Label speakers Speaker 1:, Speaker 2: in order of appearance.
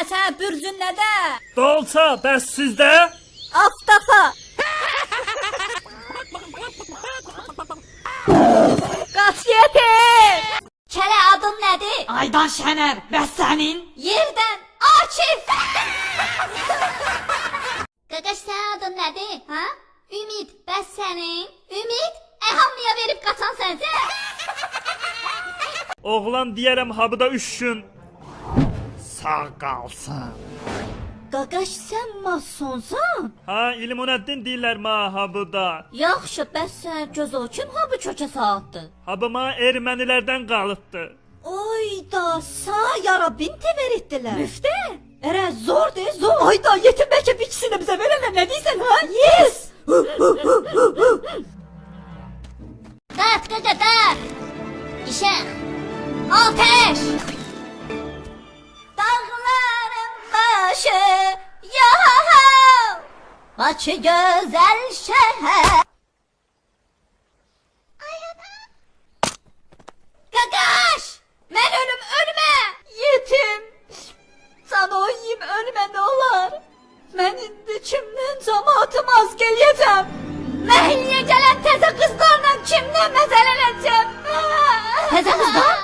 Speaker 1: Sən bürcün nədə?
Speaker 2: Dolça, bəs sizdə?
Speaker 1: Aftafa. Qaç yetir. Kələ adın nədir?
Speaker 3: Aydan Şener, bəs sənin?
Speaker 1: Yerdən Akif. Qaqaş sən adın nədir? Ha? Ümid, bəs sənin? Ümid, hamıya verib qaçan sənsən.
Speaker 2: Oğlan deyərəm habıda 3 gün sağ qalsın.
Speaker 1: Qaqaş sən masonsan?
Speaker 2: Ha, İlmuneddin deyirlər ma habıda.
Speaker 1: Yaxşı, bəs sən göz o kim ha bu kökə saatdı?
Speaker 2: Habıma ermənilərdən qalıbdı.
Speaker 1: Oyda, sağ yarabin tever etdilər. Müftə? Ərə zordur, zor. Ayda yetim bəlkə bir ikisini bizə verərlər, nə deyirsən ha? Yes! Dağıt qaqa, dağıt! İşək! Ateş! Dağların başı yahav! Bakı gözəl şəhər! Qaqaş! Mən ölümə! Yetim! Sana oyayım ölümə nə olar? Mən indi kimdən cəmaatım az gələcəm? Məhilliyə gələn təzə qızlarla kimdən məzələnəcəm? Təzə qızlar?